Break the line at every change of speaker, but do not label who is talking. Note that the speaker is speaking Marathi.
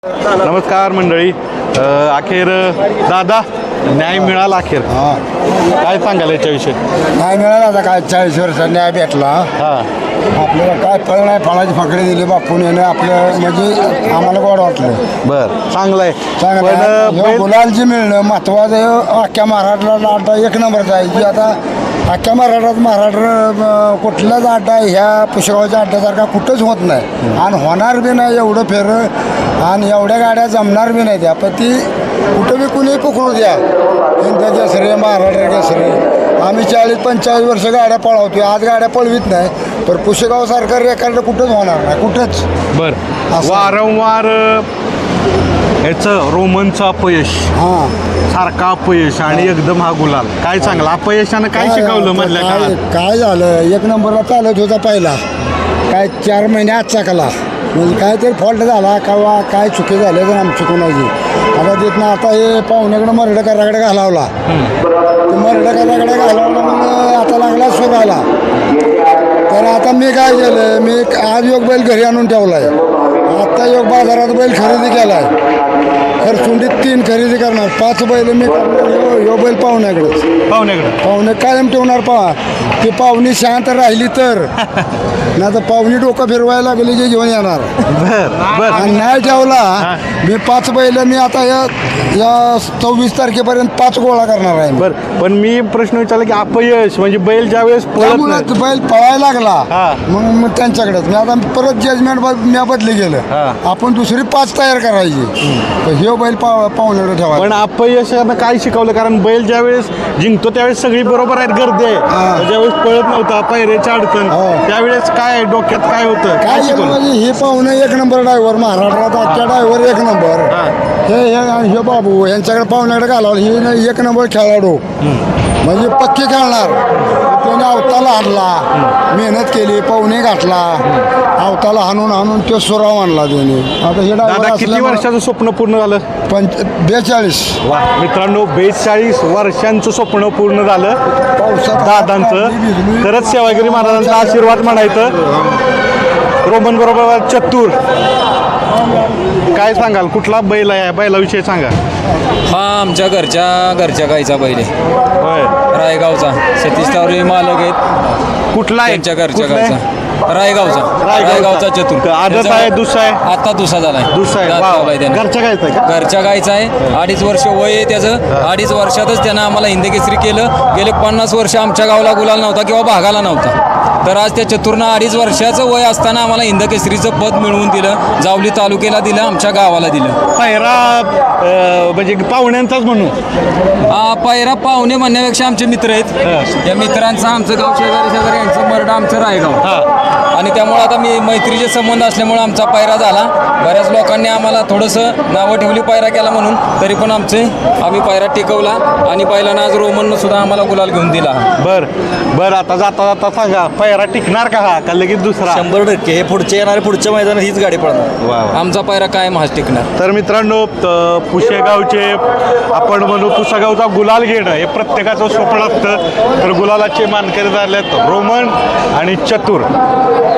नमस्कार मंडळी. अखेर दादा न्याय मिळाला अखेर. काय सांगाल याच्याविषयी?
नाही मिळाला आता काय 40 वर्षात न्याय भेटला. आपल्याला काय फळ नाही, फळाची फकडी दिली बापून येणं आपलं म्हणजे आम्हाला गोड वाटलं.
बर चांगलं आहे.
चांगलं गुलालची मिळणं महत्वाचं. अख्ख्या महाराष्ट्राला अड्डा एक नंबरचा आहे की आता अख्ख्या महाराष्ट्र कुठलाच अड्डा ह्या पुष्कळच्या अड्ड्यासारखा कुठंच होत नाही आणि होणार बी नाही एवढं फेर आणि एवढ्या गाड्या जमणार बी नाही त्या. पण ती कुठं बी कुणी पकडू द्या. हिंद केसरी महाराष्ट्र केसरी आम्ही 40-45 वर्ष गाड्या पळवतोय. आज गाड्या पळवीत नाही तर पुशेगाव सारखं रेकॉर्ड कुठंच होणार नाही कुठंच.
बर वारंवार याचं रोमनचं अपयश, सारखा अपयश आणि एकदम हा गुलाल. काय सांगला अपयशानं काय शिकवलं मधल्या काळात?
काय झालं, एक नंबरला चालत होता पहिला काय 4 महिने आत चाकला म्हणजे काहीतरी फॉल्ट झाला किंवा काय चुकी झाले तर आमची कोणाची. आता तिथनं आता हे पाहुण्याकडे मरडकराकडे घालावला. ते मरडकराकडे घालावला मग आता लागला सुराला. तर आता मी काय केलं, मी आज योग बैल घरी आणून ठेवला आहे. आत्ता योग बाजारात बैल खरेदी केला आहे. खरसुंडीत 3 खरेदी करणार, 5 बैल मी करणार. यो बैल पाहुण्याकडेच पाहुणे कायम ठेवणार. ती पाहुणी शांत राहिली तर नाही तर पाहुणी डोकं फिरवायला लागली की घेऊन येणार. आणि नाही ठेवला मी 5 बैल मी आता या 24 तारखेपर्यंत 5 गोळा करणार आहे.
बरं पण मी प्रश्न विचारला की अपयश म्हणजे बैल ज्यावेळेस
बैल पळायला लागला मग त्यांच्याकडेच मी आता परत जजमेंट मी बदली गेलं. आपण दुसरी 5 तयार करायची. हे बैल पाहुण्याकडे ठेवा.
पण अपयशानं काय शिकवलं? कारण बैल ज्यावेळेस जिंकतो त्यावेळेस सगळी बरोबर आहेत, गर्दी आहे. ज्यावेळेस पळत नव्हता पायऱ्याची अडचण त्यावेळेस काय डोक्यात काय होतं?
काय शिकवलं म्हणजे हे पाहुणे 1 नंबर ड्रायव्हर महाराष्ट्रात आजच्या ड्रायव्हर 1 नंबर. हे बाबू यांच्याकडे पाहुण्याकडे घालावं. ही 1 नंबर खेळाडू म्हणजे पक्की खेळणार. त्याने अवताला हाणला, मेहनत केली, पाहुणे घातला, अवताला हाणून तो सुराव आणला त्याने. आता हे
दादा किती वर्षाचं स्वप्न पूर्ण झालं?
42.
वा मित्रांनो, 42 वर्षांचं स्वप्न पूर्ण झालं दादांचं. खरंच सेवागिरी महाराजांचा आशीर्वाद म्हणायचं. रोमन बरोबर चतुर. काय सांगाल, कुठला बैल आहे? बैलाविषयी सांगा.
हा आमच्या घरच्या गाईचा बैल आहे.
होय,
रायगावचा सतीश तावरे मालक आहेत.
कुठला आहे?
त्यांच्या घरच्या गाईचा रायगावचा चतुर.
आदत आहे, दुसरा आहे?
आता दुसरा झालाय.
घरच्या गायचा आहे का?
घरच्या गायचा आहे. 2.5 वर्ष वय आहे त्याचं. 2.5 वर्षातच त्यानं आम्हाला हिंदकेसरी केलं. गेले 50 वर्ष आमच्या गावाला गुलाल नव्हता किंवा भागाला नव्हता. तर आज त्या चतुरनं 2.5 वर्षाचं वय असताना आम्हाला हिंदकेसरीचं पद मिळवून दिलं. जावली तालुक्याला दिलं, आमच्या गावाला दिलं.
पायरा म्हणजे पाहुण्यांचाच म्हणून.
पायरा पाहुणे म्हणण्यापेक्षा आमचे मित्र आहेत. या मित्रांचं आमचं गाव शेजारी यांचं मरडा आमचं रायगाव आणि त्यामुळे आता मी मैत्रीचे संबंध असल्यामुळे आमचा पायरा झाला. बऱ्याच लोकांनी आम्हाला थोडंसं नावं ठेवली पायरा केला म्हणून, तरी पण आम्ही पायरा टिकवला आणि पहिल्यानं आज रोमननं सुद्धा आम्हाला गुलाल घेऊन दिला.
बरं आता जाता सांगा, पायरा टिकणार का लगेच दुसरा?
100% हे पुढच्या मैदानात हीच गाडी पडणार. आमचा पायरा कायम हाच टिकणार.
तर मित्रांनो, पुशेगावचे आपण म्हणू पुशेगावचा गुलाल घेणं हे प्रत्येकाचं स्वप्न असतं. तर गुलालाचे मानकरी झालेत रोमन आणि चतुर.